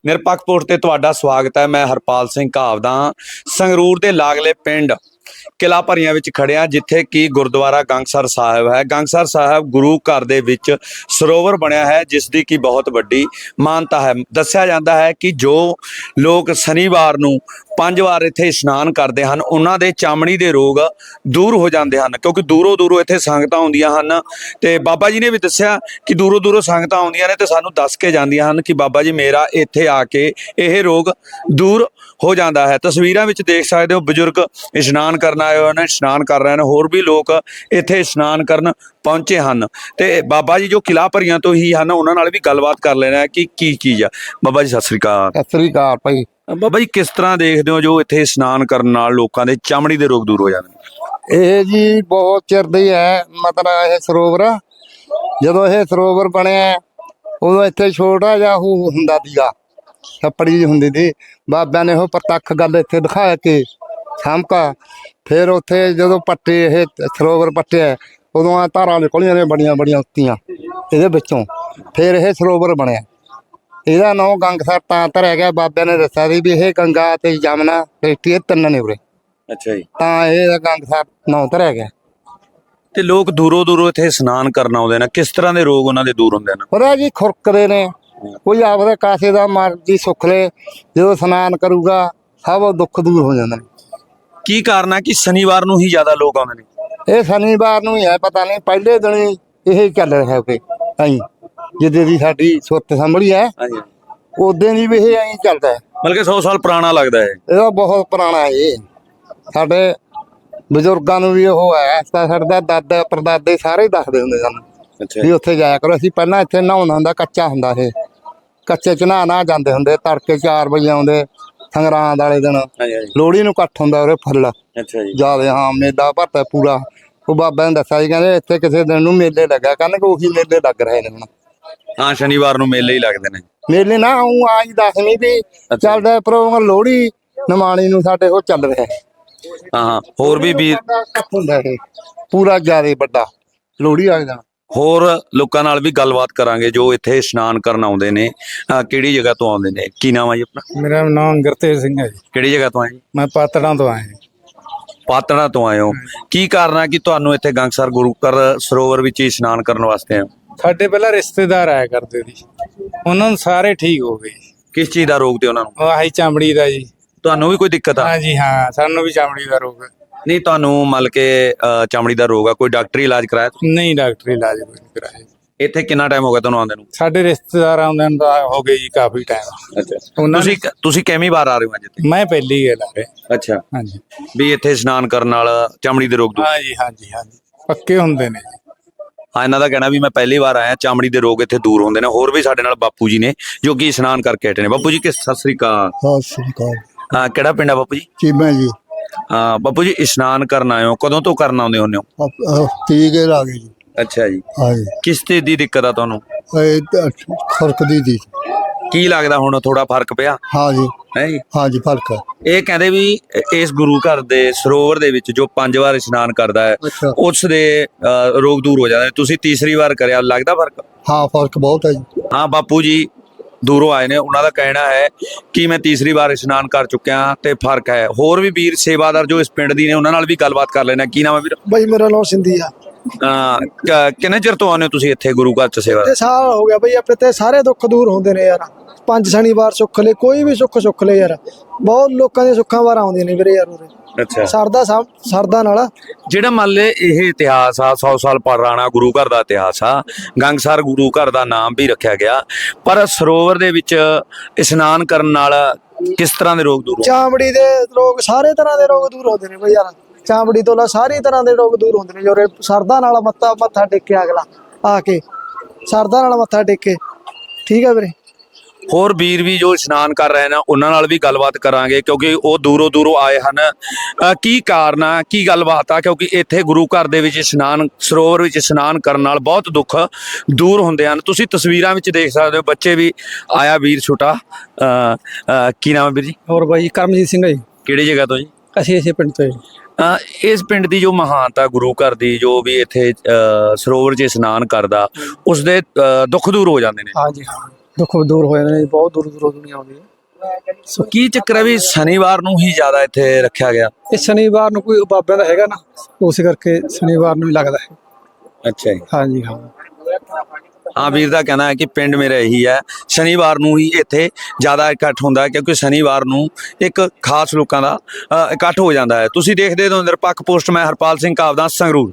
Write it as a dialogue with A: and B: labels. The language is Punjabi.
A: ਨਿਰਪੱਖ ਪੋਸਟ ਤੇ ਤੁਹਾਡਾ ਸਵਾਗਤ ਹੈ। ਮੈਂ ਹਰਪਾਲ ਸਿੰਘ ਘਾਵਦਾ ਸੰਗਰੂਰ ਦੇ ਲਾਗਲੇ ਪਿੰਡ ਕਿਲਾ ਭਰੀਆਂ ਵਿੱਚ ਖੜਿਆ, ਜਿੱਥੇ ਕਿ ਗੁਰਦੁਆਰਾ ਗੰਗਸਰ ਸਾਹਿਬ ਹੈ। ਗੰਗਸਰ ਸਾਹਿਬ ਗੁਰੂ ਘਰ ਦੇ ਵਿੱਚ ਸਰੋਵਰ ਬਣਿਆ ਹੈ, ਜਿਸ ਦੀ ਕਿ ਬਹੁਤ ਵੱਡੀ ਮਾਨਤਾ ਹੈ। ਦੱਸਿਆ ਜਾਂਦਾ ਹੈ ਕਿ ਜੋ ਲੋਕ ਸ਼ਨੀਵਾਰ ਨੂੰ 5 ਵਾਰ ਇੱਥੇ ਇਸ਼ਨਾਨ ਕਰਦੇ ਹਨ, ਉਹਨਾਂ ਦੇ ਚਮੜੀ ਦੇ ਰੋਗ ਦੂਰ ਹੋ ਜਾਂਦੇ ਹਨ, ਕਿਉਂਕਿ ਦੂਰੋਂ ਦੂਰੋਂ ਇੱਥੇ ਸੰਗਤਾਂ ਆਉਂਦੀਆਂ ਹਨ। ਤੇ ਬਾਬਾ ਜੀ ਨੇ ਵੀ ਦੱਸਿਆ ਕਿ ਦੂਰੋਂ ਦੂਰੋਂ ਸੰਗਤਾਂ ਆਉਂਦੀਆਂ ਨੇ ਤੇ ਸਾਨੂੰ ਦੱਸ ਕੇ ਜਾਂਦੀਆਂ ਹਨ ਕਿ ਬਾਬਾ ਜੀ ਮੇਰਾ ਇੱਥੇ ਆ ਕੇ ਇਹ ਰੋਗ ਦੂਰ ਹੋ ਜਾਂਦਾ ਹੈ। ਤਸਵੀਰਾਂ ਵਿੱਚ ਦੇਖ ਸਕਦੇ ਹੋ, ਬਜ਼ੁਰਗ ਇਸ਼ਨਾਨ ਕਰਨ ਆਏ ਹੋਏ ਨੇ, ਇਸ਼ਨਾਨ ਕਰ ਰਹੇ ਨੇ। ਹੋਰ ਵੀ ਲੋਕ ਇੱਥੇ ਇਸ਼ਨਾਨ ਕਰਨ ਪਹੁੰਚੇ ਹਨ ਤੇ ਬਾਬਾ ਜੀ ਜੋ ਕਿਲਾ ਭਰੀਆਂ ਤੋਂ ਹੀ ਹਨ, ਉਹਨਾਂ ਨਾਲ ਵੀ ਗੱਲਬਾਤ ਕਰ ਲੈਣਾ ਕਿ ਕੀ ਚੀਜ਼ ਆ। ਬਾਬਾ ਜੀ ਸਤਿ ਸ੍ਰੀ ਅਕਾਲ।
B: ਸਤਿ ਸ੍ਰੀ ਅਕਾਲ ਭਾਈ।
A: ਬਾਬਾ ਜੀ ਕਿਸ ਤਰ੍ਹਾਂ ਦੇਖਦੇ ਹੋ ਜੋ ਇੱਥੇ ਇਸ਼ਨਾਨ ਕਰਨ ਨਾਲ ਲੋਕਾਂ ਦੇ ਚਮੜੀ ਦੇ ਰੋਗ ਦੂਰ ਹੋ ਜਾਂਦੇ ਨੇ?
B: ਇਹ ਜੀ ਬਹੁਤ ਚਿਰ ਦੀ ਹੈ, ਮਤਲਬ ਇਹ ਸਰੋਵਰ ਜਦੋਂ ਇਹ ਸਰੋਵਰ ਬਣਿਆ ਉਦੋਂ ਇੱਥੇ ਛੋਟਾ ਜਿਹਾ ਉਹ ਹੁੰਦਾ ਸੀਗਾ, ਛੱਪੜੀ ਜਿਹੀ ਹੁੰਦੀ ਸੀ। ਬਾਬਿਆਂ ਨੇ ਉਹ ਪ੍ਰਤੱਖ ਗੱਲ ਇੱਥੇ ਦਿਖਾ ਕੇ ਸਾਂਭਾ। ਫਿਰ ਉੱਥੇ ਜਦੋਂ ਪੱਟੇ ਇਹ ਸਰੋਵਰ ਪੱਟਿਆ, ਉਦੋਂ ਆ ਧਾਰਾਂ ਨਿਕਲੀਆਂ ਨੇ ਬੜੀਆਂ ਬੜੀਆਂ ਉੱਤੀਆਂ ਇਹਦੇ ਵਿੱਚੋਂ। ਫਿਰ ਇਹ ਸਰੋਵਰ ਬਣਿਆ। ਇਹਦਾ ਨਾਂ ਗੰਗਸਰ ਤਾਂ ਧਰਿਆ ਗਿਆ। ਬਾਬਿਆਂ ਨੇ ਦੱਸਿਆ ਸੀ ਵੀ ਇਹ ਗੰਗਾ ਤੇ ਜਮਨਾ ਇਹ ਤਿੰਨ ਨੇ ਉਰੇ,
A: ਅੱਛਾ ਜੀ।
B: ਤਾਂ ਇਹ ਗੰਗਸਰ ਨਾਂ ਧਰਿਆ ਗਿਆ।
A: ਤੇ ਲੋਕ ਦੂਰੋਂ ਦੂਰੋਂ ਇੱਥੇ ਇਸ਼ਨਾਨ ਕਰਨ ਆਉਂਦੇ ਨੇ, ਕਿਸ ਤਰ੍ਹਾਂ ਦੇ ਰੋਗ ਉਹਨਾਂ ਦੇ ਦੂਰ ਹੁੰਦੇ ਨੇ?
B: ਉਹਦਾ ਜੀ ਖੁਰਕਦੇ ਨੇ, ਕੋਈ ਆਪਦੇ ਕਾਸੇ ਦਾ ਮਰਜ਼ੀ ਸੁੱਖ ਲੈ, ਜਦੋਂ ਇਸ਼ਨਾਨ ਕਰੂਗਾ ਸਭ ਦੁੱਖ ਦੂਰ ਹੋ ਜਾਂਦੇ ਨੇ।
A: ਕੀ ਕਾਰਨ ਹੈ ਕਿ ਸ਼ਨੀਵਾਰ ਨੂੰ ਹੀ ਜ਼ਿਆਦਾ ਲੋਕ ਆਉਂਦੇ ਨੇ?
B: ਇਹ ਸ਼ਨੀਵਾਰ ਨੂੰ ਹੀ ਹੈ, ਪਤਾ ਨਹੀਂ ਪਹਿਲੇ ਦਿਨ ਹੀ ਇਹ ਚੱਲ ਰਿਹਾ ਕਿ ਐਂ ਜਿੱਦੇ ਦੀ ਸਾਡੀ ਸੁੱਤ ਸੰਭਲੀ ਹੈ
A: ਹਾਂਜੀ,
B: ਉਦੋਂ ਦੀ ਵੀ ਇਹ ਐਂ ਚੱਲਦਾ ਹੈ।
A: ਬਲਕਿ 100 ਸਾਲ ਪੁਰਾਣਾ ਲੱਗਦਾ ਹੈ।
B: ਇਹਦਾ ਬਹੁਤ ਪੁਰਾਣਾ ਹੈ। ਇਹ ਸਾਡੇ ਬਜ਼ੁਰਗਾਂ ਨੂੰ ਵੀ ਉਹ ਹੈ, ਸਾਡੇ ਦਾਦਾ ਪਰਦਾਦੇ ਸਾਰੇ ਦੱਸਦੇ ਹੁੰਦੇ ਸਾਨੂੰ ਵੀ ਉੱਥੇ ਜਾਇਆ ਕਰੋ। ਅਸੀਂ ਪਹਿਲਾਂ ਇੱਥੇ ਨਹਾਉਣਾ ਹੁੰਦਾ, ਕੱਚਾ ਹੁੰਦਾ ਇਹ, ਕੱਚੇ ਚ ਨਹਾ ਜਾਂਦੇ ਹੁੰਦੇ। ਤੜਕੇ 4 ਵਜੇ ਆਉਂਦੇ ਸੰਗਰਾਂਦ ਵਾਲੇ ਦਿਨ। ਲੋਹੜੀ ਨੂੰ ਇਕੱਠ ਹੁੰਦਾ ਉਰੇ ਫੁੱਲ ਜਿਆਦਾ। ਹਾਂ, ਮੇਲਾ ਭਰਤਾ ਪੂਰਾ। ਉਹ ਬਾਬਾ ਨੇ ਦੱਸਿਆ ਸੀ, ਕਹਿੰਦੇ ਇੱਥੇ ਕਿਸੇ ਦਿਨ ਨੂੰ ਮੇਲੇ ਲੱਗਾ ਕਰਨ, ਉਹੀ ਮੇਲੇ ਲੱਗ ਰਹੇ ਨੇ ਹੁਣ।
A: ਹਾਂ, ਸ਼ਨੀਵਾਰ ਨੂੰ ਮੇਲੇ ਹੀ ਲੱਗਦੇ ਨੇ।
B: ਮੇਲੇ ਨਾ ਉਹ ਆਜ ਦੱਸਵੀਂ ਵੀ ਚੱਲਦਾ ਪ੍ਰੋਗਰਾਮ। ਲੋਹੜੀ ਨਿਮਾਣੀ ਨੂੰ ਸਾਡੇ ਉਹ ਚੱਲ ਰਿਹਾ।
A: ਹਾਂ, ਹੋਰ ਵੀ ਵੀਰ
B: ਹੁੰਦਾ ਇਹ ਪੂਰਾ ਜਿਆਦਾ ਵੱਡਾ ਲੋਹੜੀ ਵਾਲੇ ਦਿਨ।
A: ਹੋਰ ਲੋਕਾਂ ਨਾਲ ਵੀ ਗੱਲਬਾਤ ਕਰਾਂਗੇ ਜੋ ਇੱਥੇ ਇਸ਼ਨਾਨ ਕਰਨ ਆਉਂਦੇ ਨੇ। ਕਿਹੜੀ ਜਗ੍ਹਾ ਤੋਂ ਆਉਂਦੇ ਨੇ? ਕੀ ਨਾਮ ਹੈ ਜੀ ਆਪਣਾ?
C: ਮੇਰਾ ਨਾਮ ਗੁਰਤੇਜ ਸਿੰਘ ਹੈ ਜੀ।
A: ਕਿਹੜੀ ਜਗ੍ਹਾ ਤੋਂ ਆਏ ਜੀ?
C: ਮੈਂ ਪਾਤੜਾਂ ਤੋਂ ਆਇਆ ਜੀ।
A: ਪਾਤੜਾਂ ਤੋਂ ਆਏ ਹੋ। ਕੀ ਕਾਰਨ ਹੈ ਕਿ ਤੁਹਾਨੂੰ ਇੱਥੇ ਗੰਗਸਰ ਗੁਰੂ ਘਰ ਸਰੋਵਰ ਵਿੱਚ ਇਸ਼ਨਾਨ ਕਰਨ ਵਾਸਤੇ ਆਏ ਹੋ?
C: ਸਾਡੇ ਪਹਿਲਾਂ ਰਿਸ਼ਤੇਦਾਰ ਆਇਆ ਕਰਦੇ ਸੀ, ਉਹਨਾਂ ਨੂੰ ਸਾਰੇ ਠੀਕ ਹੋ ਗਏ।
A: ਕਿਸ ਚੀਜ਼ ਦਾ ਰੋਗ ਤੇ ਉਹਨਾਂ ਨੂੰ?
C: ਆਹੀ ਚਮੜੀ ਦਾ ਜੀ।
A: ਤੁਹਾਨੂੰ ਵੀ ਕੋਈ ਦਿੱਕਤ ਆ?
C: ਹਾਂਜੀ ਹਾਂ, ਸਾਨੂੰ ਵੀ ਚਮੜੀ ਦਾ ਰੋਗ ਹੈ।
A: ਨਹੀਂ, ਤੁਹਾਨੂੰ ਮਤਲਬ ਕਿ ਚਮੜੀ ਦਾ ਰੋਗ ਆ, ਕੋਈ ਡਾਕਟਰੀ ਇਲਾਜ ਕਰਾਇਆ?
C: ਨਹੀਂ, ਡਾਕਟਰੀ ਇਲਾਜ ਕੋਈ ਨਹੀਂ ਕਰਾਇਆ।
A: ਇੱਥੇ ਕਿੰਨਾ ਟਾਈਮ ਹੋ ਗਿਆ ਤੁਹਾਨੂੰ ਆਉਂਦੇ ਨੂੰ?
C: ਸਾਡੇ ਰਿਸ਼ਤੇਦਾਰ ਆਉਂਦੇ ਨੂੰ ਤਾਂ ਹੋ ਗਏ ਜੀ ਕਾਫੀ ਟਾਈਮ।
A: ਅੱਛਾ, ਤੁਸੀਂ ਕਿੰਨੀ ਵਾਰ ਆ ਰਹੇ ਹੋ ਅੱਜ ਇੱਥੇ?
C: ਮੈਂ ਪਹਿਲੀ ਗੱਲ ਆ ਰਿਹਾ।
A: ਅੱਛਾ,
C: ਹਾਂਜੀ।
A: ਵੀ ਇੱਥੇ ਇਸ਼ਨਾਨ ਕਰਨ ਨਾਲ ਚਮੜੀ ਦੇ ਰੋਗ ਦੂਰ?
C: ਹਾਂਜੀ ਹਾਂਜੀ ਹਾਂਜੀ, ਪੱਕੇ ਹੁੰਦੇ ਨੇ ਜੀ।
A: ਹਾਂ, ਇਹਨਾਂ ਦਾ ਕਹਿਣਾ ਵੀ ਮੈਂ ਪਹਿਲੀ ਵਾਰ ਆਇਆ, ਚਮੜੀ ਦੇ ਰੋਗ ਇੱਥੇ ਦੂਰ ਹੁੰਦੇ ਨੇ। ਹੋਰ ਵੀ ਸਾਡੇ ਨਾਲ ਬਾਪੂ ਜੀ ਨੇ ਜੋ ਕਿ ਇਸ਼ਨਾਨ ਕਰਕੇ ਹਟੇ ਨੇ। ਬਾਪੂ ਜੀ ਸਤਿ ਸ੍ਰੀ ਅਕਾਲ।
B: ਸਤਿ ਸ੍ਰੀ ਅਕਾਲ।
A: ਹਾਂ, ਕਿਹੜਾ ਪਿੰਡ ਆ ਬਾਪੂ ਜੀ?
B: ਚੀਮਾ ਜੀ।
A: ਹਾਂ ਬਾਪੂ ਜੀ, ਇਸ਼ਨਾਨ ਕਰਨ ਆਏ ਹੋ, ਕਦੋਂ ਤੋਂ ਕਰਨ ਆਉਂਦੇ ਹੁੰਦੇ ਹੋ?
B: ਟੀਕੇ ਲਾ ਗਏ ਜੀ।
A: ਅੱਛਾ ਜੀ।
B: ਹਾਂਜੀ।
A: ਕਿਸ ਚੀਜ਼ ਦੀ ਦਿੱਕਤ ਆ ਤੁਹਾਨੂੰ?
B: ਖੁਰਕਦੀ ਦੀ।
A: ਕੀ ਲੱਗਦਾ ਹੁਣ ਥੋੜਾ ਫਰਕ ਪਿਆ?
B: ਹਾਂਜੀ
A: ਹੈ ਜੀ।
B: ਹਾਂਜੀ, ਫਰਕ ਹੈ।
A: ਇਹ ਕਹਿੰਦੇ ਵੀ ਇਸ ਗੁਰੂ ਘਰ ਦੇ ਸਰੋਵਰ ਦੇ ਵਿੱਚ ਜੋ 5 ਵਾਰ ਇਸ਼ਨਾਨ ਕਰਦਾ ਹੈ ਉਸ ਦੇ ਰੋਗ ਦੂਰ ਹੋ ਜਾਂਦੇ। ਤੁਸੀਂ ਤੀਸਰੀ ਵਾਰ ਕਰਿਆ, ਲੱਗਦਾ ਫਰਕ?
B: ਹਾਂ, ਫਰਕ ਬਹੁਤ ਹੈ ਜੀ।
A: ਹਾਂ, ਬਾਪੂ ਜੀ ਦੂਰੋਂ ਆਏ ਨੇ, ਉਹਨਾਂ ਦਾ ਕਹਿਣਾ ਹੈ ਕਿ ਮੈਂ ਤੀਸਰੀ ਵਾਰ ਇਸ਼ਨਾਨ ਕਰ ਚੁੱਕਿਆ ਤੇ ਫਰਕ ਹੈ। ਹੋਰ ਵੀ ਵੀਰ ਸੇਵਾਦਾਰ ਜੋ ਇਸ ਪਿੰਡ ਦੀ ਨੇ, ਉਹਨਾਂ ਨਾਲ ਵੀ ਗੱਲਬਾਤ ਕਰ ਲੈਣਾ। ਕੀ ਨਾਮ ਹੈ ਵੀਰ?
D: ਬਈ ਮੇਰਾ ਨਾਮ ਸਿੰਧੀ ਆ।
A: ਕਿੰਨੇ ਚਿਰ ਤੋਂ ਆਉਂਦੇ ਹੋ ਤੁਸੀਂ ਇੱਥੇ ਗੁਰੂ ਘਰ ਚ ਸੇਵਾ?
D: ਤੇ ਸਾਲ ਹੋ ਗਿਆ ਬਈ। ਆਪਣੇ ਤੇ ਸਾਰੇ ਦੁੱਖ ਦੂਰ ਹੁੰਦੇ ਨੇ ਯਾਰ। 5 ਸ਼ਨੀਵਾਰ ਸੁੱਖ ਲੈ, ਕੋਈ ਵੀ ਸੁੱਖ ਲੈ ਯਾਰ। ਬਹੁਤ ਲੋਕਾਂ ਦੇ ਸੁੱਖਾਂ ਵਾਰ ਆਉਂਦੀਆਂ ਨੇ ਵੀਰੇ ਯਾਰ ਉਰੇ।
A: ਅੱਛਾ,
D: ਸਰਦਾ ਨਾਲ
A: ਜਿਹੜਾ ਮੰਨ ਲੈ ਇਹ ਇਤਿਹਾਸ ਆ 100 ਸਾਲ ਪੁਰਾਣਾ ਗੁਰੂ ਘਰ ਦਾ ਇਤਿਹਾਸ ਆ। ਗੰਗਸਰ ਗੁਰੂ ਘਰ ਦਾ ਨਾਮ ਵੀ ਰੱਖਿਆ ਗਿਆ, ਪਰ ਸਰੋਵਰ ਦੇ ਵਿੱਚ ਇਸ਼ਨਾਨ ਕਰਨ ਨਾਲ ਕਿਸ ਤਰ੍ਹਾਂ ਦੇ ਰੋਗ ਦੂਰ?
D: ਚਾਮੜੀ ਦੇ ਰੋਗ, ਸਾਰੇ ਤਰ੍ਹਾਂ ਦੇ ਰੋਗ ਦੂਰ ਹੁੰਦੇ ਨੇ ਬਈ ਯਾਰ। ਚਾਮੜੀ ਤੋਂ ਲਾ ਸਾਰੀ ਤਰ੍ਹਾਂ ਦੇ ਰੋਗ ਦੂਰ ਹੁੰਦੇ ਨੇ ਜੋ ਸਰਦਾ ਨਾਲ ਮੱਥਾ ਟੇਕੇ ਅਗਲਾ ਆ ਕੇ, ਸਰਦਾ ਨਾਲ ਮੱਥਾ ਟੇਕੇ। ਠੀਕ ਹੈ ਵੀਰੇ।
A: ਹੋਰ ਵੀਰ ਵੀ ਜੋ ਇਸ਼ਨਾਨ ਕਰ ਰਹੇ ਨੇ ਉਹਨਾਂ ਨਾਲ ਵੀ ਗੱਲਬਾਤ ਕਰਾਂਗੇ, ਕਿਉਂਕਿ ਉਹ ਦੂਰੋਂ ਦੂਰੋਂ ਆਏ ਹਨ। ਕੀ ਕਾਰਨ ਆ, ਕੀ ਗੱਲਬਾਤ ਆ? ਕਿਉਂਕਿ ਇੱਥੇ ਗੁਰੂ ਘਰ ਦੇ ਵਿੱਚ ਇਸ਼ਨਾਨ, ਸਰੋਵਰ ਵਿੱਚ ਇਸ਼ਨਾਨ ਕਰਨ ਨਾਲ ਬਹੁਤ ਦੁੱਖ ਦੂਰ ਹੁੰਦੇ ਹਨ। ਤੁਸੀਂ ਤਸਵੀਰਾਂ ਵਿੱਚ ਦੇਖ ਸਕਦੇ ਹੋ, ਬੱਚੇ ਵੀ ਆਇਆ ਵੀਰ ਛੋਟਾ। ਕੀ ਨਾਮ ਹੈ ਵੀਰ ਜੀ?
D: ਹੋਰ ਬਾਈ ਕਰਮਜੀਤ ਸਿੰਘ ਜੀ।
A: ਕਿਹੜੀ ਜਗ੍ਹਾ ਤੋਂ ਜੀ?
D: ਅਸੀਂ ਇਸੇ ਪਿੰਡ ਤੋਂ।
A: ਇਸ ਪਿੰਡ ਦੀ ਜੋ ਮਹਾਨਤਾ ਗੁਰੂ ਘਰ ਦੀ, ਜੋ ਵੀ ਇੱਥੇ ਸਰੋਵਰ 'ਚ ਇਸ਼ਨਾਨ ਕਰਦਾ, ਉਸਦੇ ਦੁੱਖ ਦੂਰ ਹੋ ਜਾਂਦੇ ਨੇ।
D: ਹਾਂਜੀ ਹਾਂ। ਦੁੱਖ ਦੂਰ ਹੋ ਜਾਂਦੇ ਨੇ, ਬਹੁਤ ਦੂਰ ਦੂਰੋਂ ਦੁਨੀਆ ਆਉਂਦੀ ਹੈ।
A: ਸੋ ਕੀ ਚੱਕਰ ਹੈ ਵੀ ਸ਼ਨੀਵਾਰ ਨੂੰ ਹੀ ਜ਼ਿਆਦਾ ਇੱਥੇ ਰੱਖਿਆ ਗਿਆ?
D: ਇਹ ਸ਼ਨੀਵਾਰ ਨੂੰ ਕੋਈ ਬਾਬਿਆਂ ਦਾ ਹੈਗਾ ਨਾ, ਉਸੇ ਕਰਕੇ ਸ਼ਨੀਵਾਰ ਨੂੰ ਹੀ ਲੱਗਦਾ ਹੈ।
A: ਅੱਛਾ ਜੀ।
D: ਹਾਂਜੀ ਹਾਂ।
A: ਹਾਂ, ਵੀਰ ਦਾ ਕਹਿਣਾ ਹੈ ਕਿ ਪਿੰਡ ਮੇਰਾ ਇਹੀ ਹੈ, ਸ਼ਨੀਵਾਰ ਨੂੰ ਹੀ ਇੱਥੇ ਜ਼ਿਆਦਾ ਇਕੱਠ ਹੁੰਦਾ ਹੈ ਕਿਉਂਕਿ ਸ਼ਨੀਵਾਰ ਨੂੰ ਇੱਕ ਖਾਸ ਲੋਕਾਂ ਦਾ ਇਕੱਠ ਹੋ ਜਾਂਦਾ ਹੈ। ਤੁਸੀਂ ਦੇਖਦੇ ਹੋ ਨਿਰਪੱਖ ਪੋਸਟ, ਮੈਂ ਹਰਪਾਲ ਸਿੰਘ ਕਾਵਦਾ, ਸੰਗਰੂਰ।